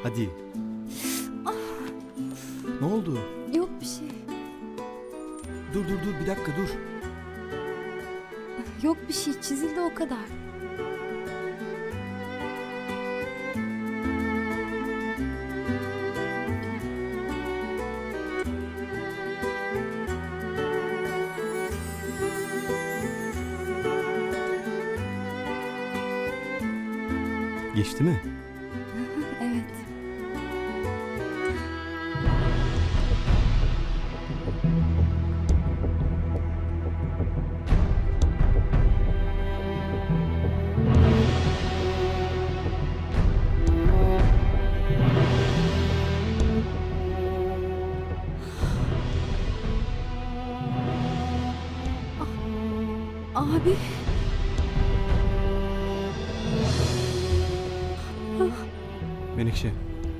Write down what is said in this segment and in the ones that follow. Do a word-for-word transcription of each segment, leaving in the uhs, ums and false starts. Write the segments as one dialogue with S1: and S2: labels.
S1: Hadi. Ne oldu?
S2: Yok bir şey.
S1: Dur dur dur bir dakika dur.
S2: Yok bir şey, çizildi o kadar.
S1: Geçti mi?
S2: Evet. Ah, Abi.
S1: Menekşe.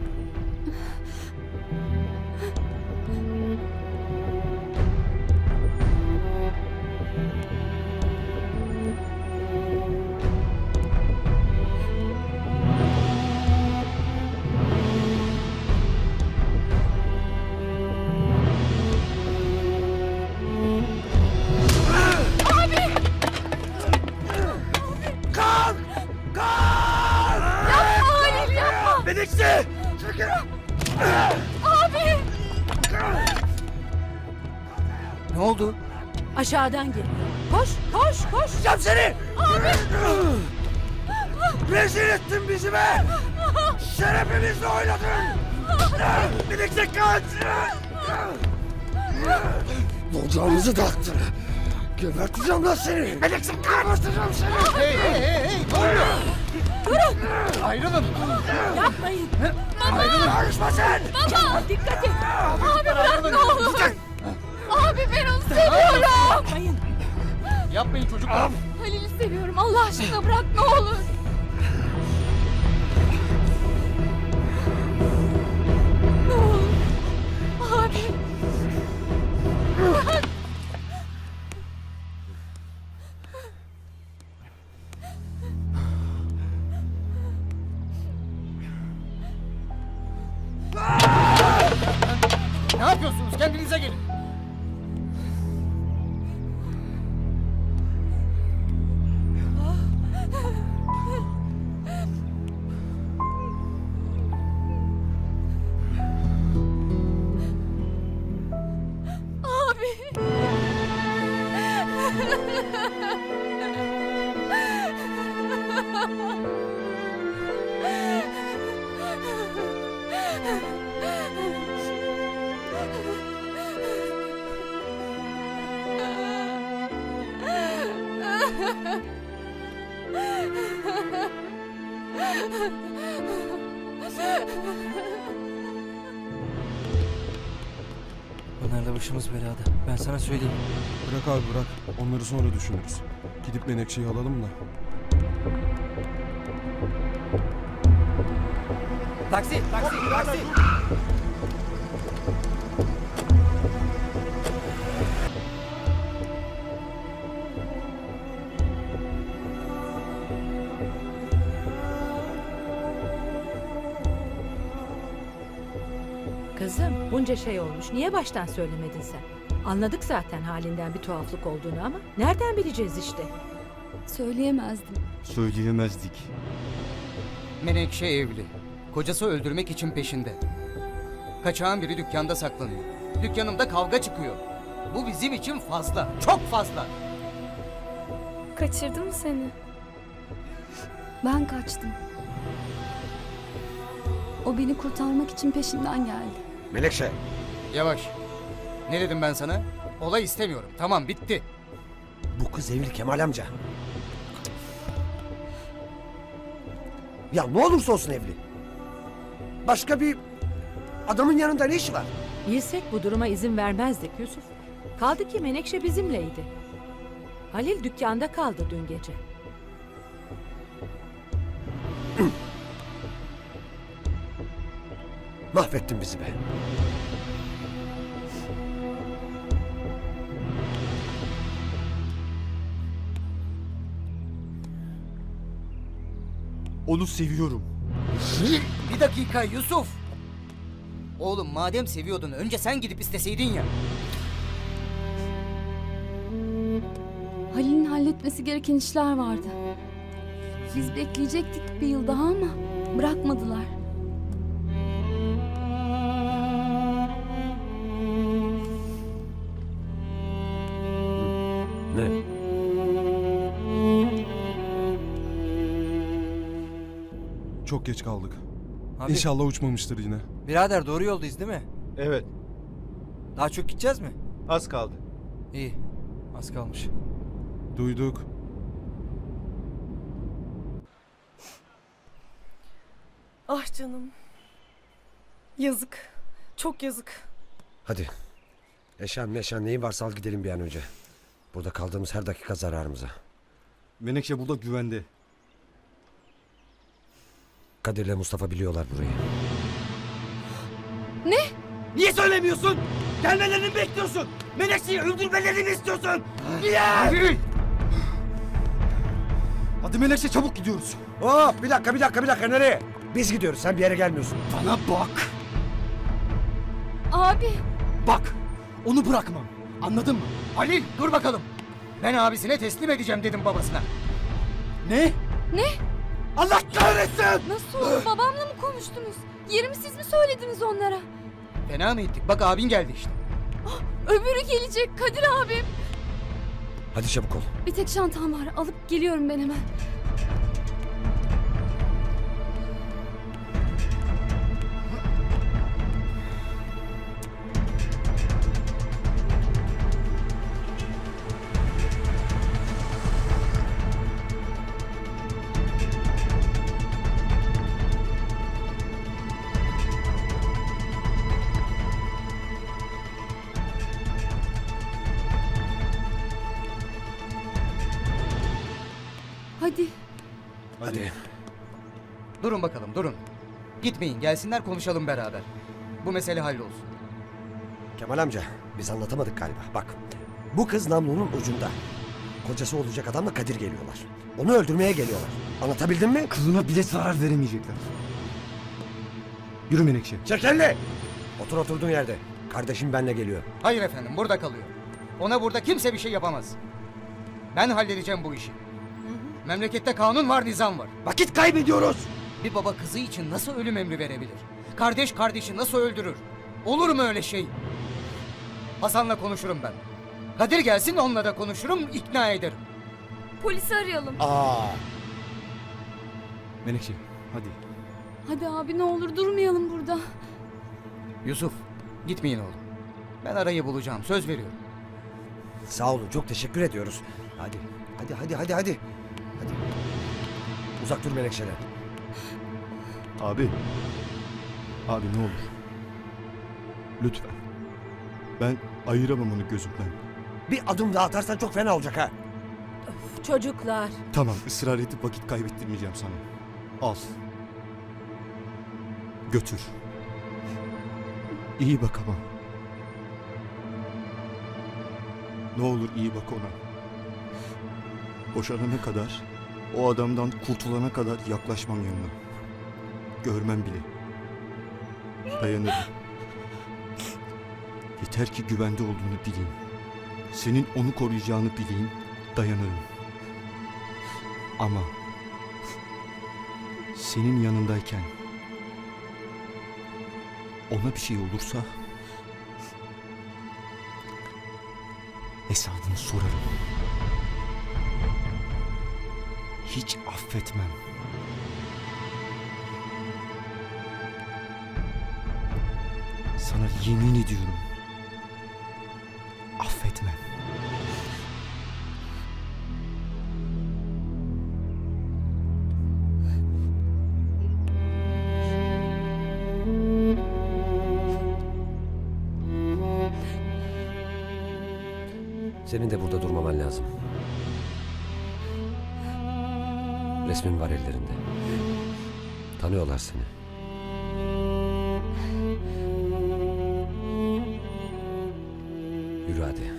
S2: Halil yapma.
S3: Menekşe! Çekil!
S2: Abi.
S3: Ne oldu?
S4: Aşağıdan geliyor. Koş, koş, koş.
S3: Yapacağım seni! Abi! Rezil ettin bizi be! Şerefimizle oynadın! Menekşe kaç! Bocağımızı taktın! Geberteceğim lan seni! Menekşe geberteceğim seni! Hey hey hey hey! Ne oluyor? Durun! Ayrılın!
S4: Yapmayın.
S3: Ayrılın! Karışma sen!
S4: Baba, dikkat et.
S2: Abi bırak ne olur. Abi ben onu seviyorum.
S4: Yapmayın.
S5: Yapmayın çocuklar.
S2: Halil'i seviyorum. Allah aşkına bırak ne olur. Ne olur. Abi. Bırak.
S5: Ne yapıyorsunuz? Kendinize gelin.
S2: Abi.
S5: Bunlarla başımız belada. Ben sana söyleyeyim.
S6: Bırak abi bırak. Onları sonra düşünürüz. Gidip Menekşe'yi alalım da.
S5: Taksi, taksi, taksi.
S4: Kızım, bunca şey olmuş. Niye baştan söylemedin sen? Anladık zaten halinden bir tuhaflık olduğunu ama nereden bileceğiz işte?
S2: Söyleyemezdim.
S1: Söyleyemezdik.
S7: Menekşe evli. Kocası öldürmek için peşinde. Kaçağın biri dükkanda saklanıyor. Dükkanımda kavga çıkıyor. Bu bizim için fazla. Çok fazla.
S2: Kaçırdı mı seni? Ben kaçtım. O beni kurtarmak için peşimden geldi.
S3: Menekşe!
S7: Yavaş. Ne dedim ben sana? Olay istemiyorum. Tamam, bitti.
S3: Bu kız evli Kemal amca. Ya ne olursa olsun evli. Başka bir adamın yanında ne işi var?
S4: Bilsek bu duruma izin vermezdik Yusuf. Kaldı ki Menekşe bizimleydi. Halil dükkanda kaldı dün gece.
S3: Mahvettin bizi be.
S1: Onu seviyorum.
S7: Bir dakika Yusuf. Oğlum madem seviyordun önce sen gidip isteseydin ya.
S2: Halil'in halletmesi gereken işler vardı. Biz bekleyecektik bir yıl daha ama bırakmadılar.
S3: Ne?
S6: Çok geç kaldık.
S5: Abi,
S6: İnşallah uçmamıştır yine.
S5: birader doğru yoldayız değil mi?
S1: Evet.
S5: Daha çok gideceğiz mi?
S1: Az kaldı.
S5: İyi. Az kalmış.
S6: Duyduk.
S8: Ah canım. Yazık. Çok yazık.
S3: Hadi. Eşan meşan neyin varsa al gidelim bir an önce. Burada kaldığımız her dakika zararımıza.
S1: Menekşe burada güvende.
S3: Kadir'le Mustafa biliyorlar burayı.
S5: Niye söylemiyorsun? Gelmelerini mi bekliyorsun? Menekşe'yi öldürmelerini mi istiyorsun? Niye?
S1: Hadi Menekşe çabuk gidiyoruz.
S3: Hop bir dakika bir dakika bir dakika nereye? Biz gidiyoruz sen bir yere gelmiyorsun.
S1: Bana bak.
S2: Abi
S5: Bak, onu bırakmam. Anladın mı?
S7: Halil dur bakalım. Ben abisine teslim edeceğim dedim babasına.
S5: Ne?
S2: ne?
S5: Allah kahretsin!
S2: Nasıl olur? Babamla mı konuştunuz? Yerimi siz mi söylediniz onlara?
S7: Fena mı ettik? Bak abin geldi işte.
S2: Öbürü gelecek Kadir abim.
S3: Hadi çabuk ol.
S2: Bir tek çantam var. Alıp geliyorum ben hemen. Hadi.
S3: Hadi.
S7: Durun bakalım durun. Gitmeyin gelsinler konuşalım beraber. Bu mesele hallolsun.
S3: Kemal amca biz anlatamadık galiba. Bak bu kız namlunun ucunda. Kocası olacak adamla Kadir geliyorlar. Onu öldürmeye geliyorlar. Anlatabildim mi?
S1: Kızına bile zarar veremeyecekler. Yürü Menekşe.
S3: Çek elini. Otur oturduğun yerde. Kardeşim benle geliyor.
S7: Hayır efendim burada kalıyor. Ona burada kimse bir şey yapamaz. Ben halledeceğim bu işi. Memlekette kanun var, nizam var.
S3: Vakit kaybediyoruz.
S7: Bir baba kızı için nasıl ölüm emri verebilir? Kardeş kardeşi nasıl öldürür? Olur mu öyle şey? Hasan'la konuşurum ben. Kadir gelsin onunla da konuşurum, ikna ederim.
S2: Polisi arayalım.
S3: Aa.
S1: Menekşe hadi.
S2: Hadi abi ne olur durmayalım burada.
S7: Yusuf, gitmeyin oğlum. Ben arayı bulacağım, söz veriyorum.
S3: Sağ olun çok teşekkür ediyoruz. Hadi hadi hadi hadi hadi. Hadi. Uzak dur Menekşe'den.
S1: Abi. Abi ne olur. Lütfen. Ben ayıramam onu gözümden.
S3: Bir adım daha atarsan çok fena olacak ha.
S4: Çocuklar.
S1: Tamam ısrar edip vakit kaybettirmeyeceğim sana. Al. Götür. İyi bak ama. Ne olur iyi bak ona. Boşanana kadar, o adamdan kurtulana kadar yaklaşmam yanına. Görmem bile. Dayanırım. Yeter ki güvende olduğunu bileyim. Senin onu koruyacağını bileyim, dayanırım. Ama senin yanındayken ona bir şey olursa hesabını sorarım. Hiç affetmem. Sana yemin ediyorum. Affetmem.
S3: Senin de burada durmaman lazım. Resmin var ellerinde. Tanıyorlar seni. Yürü hadi.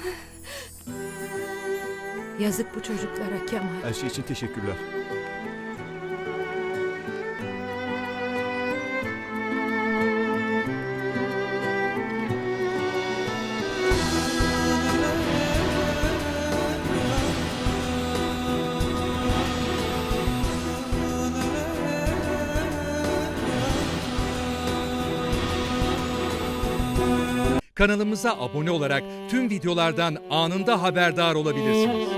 S4: Yazık bu çocuklara Kemal.
S1: Her şey için teşekkürler.
S9: Kanalımıza abone olarak tüm videolardan anında haberdar olabilirsiniz.